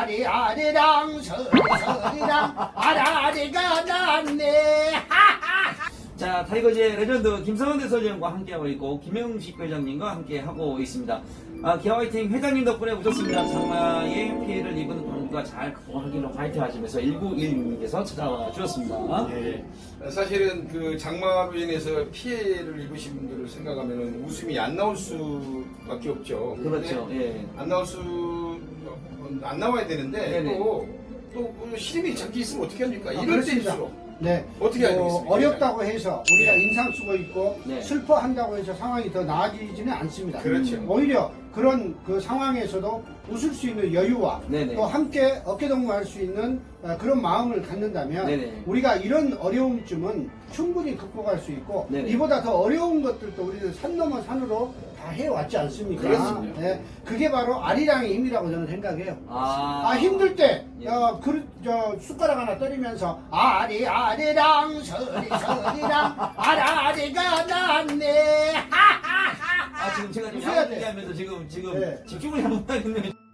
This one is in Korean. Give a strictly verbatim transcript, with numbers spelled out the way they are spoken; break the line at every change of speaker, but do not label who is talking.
아라리 아리랑 서리서리랑 아라리가 났네.
자, 타이거즈의 레전드 김성원 대설위원과 함께하고 있고 김영식 회장님과 함께하고 있습니다. 아, 기아 화이팅 회장님 덕분에 오셨습니다. 장마에 피해를 입은 광주가 잘 극복하기로 화이팅 하시면서 일구일육님께서 찾아와 주셨습니다.
예. 사실은 그 장마로 인해서 피해를 입으신 분들을 생각하면 웃음이 안 나올 수밖에 없죠.
그렇죠.
근데
예.
안 나올 수, 안 나와야 되는데
네네.
또, 또 시름이 잠기 있으면 어떻게 합니까?
아,
이럴
그렇습니다.
때일수록.
네.
어떻게 해야
뭐
되겠습니까?
어렵다고 해서 우리가
네.
인상 쓰고 있고
네.
슬퍼한다고 해서 상황이 더 나아지지는 않습니다.
그렇죠.
오히려 그런 그 상황에서도 웃을 수 있는 여유와
네네.
또 함께 어깨동무할 수 있는 어, 그런 마음을 갖는다면
네네.
우리가 이런 어려움쯤은 충분히 극복할 수 있고
네네.
이보다 더 어려운 것들도 우리는 산 넘어 산으로 다 해왔지 않습니까?
그렇습니다.
네. 그게 바로 아리랑의 힘이라고 저는 생각해요.
아,
아 힘들 때
예.
어, 그릇, 저, 숟가락 하나 때리면서 아리 아리랑 서리 서리랑 아라리가 났네.
아, 지금 제가 지금
웃어야 돼.
야구 얘기하면서 지금, 지금
네.
집중을 잘못하겠네요.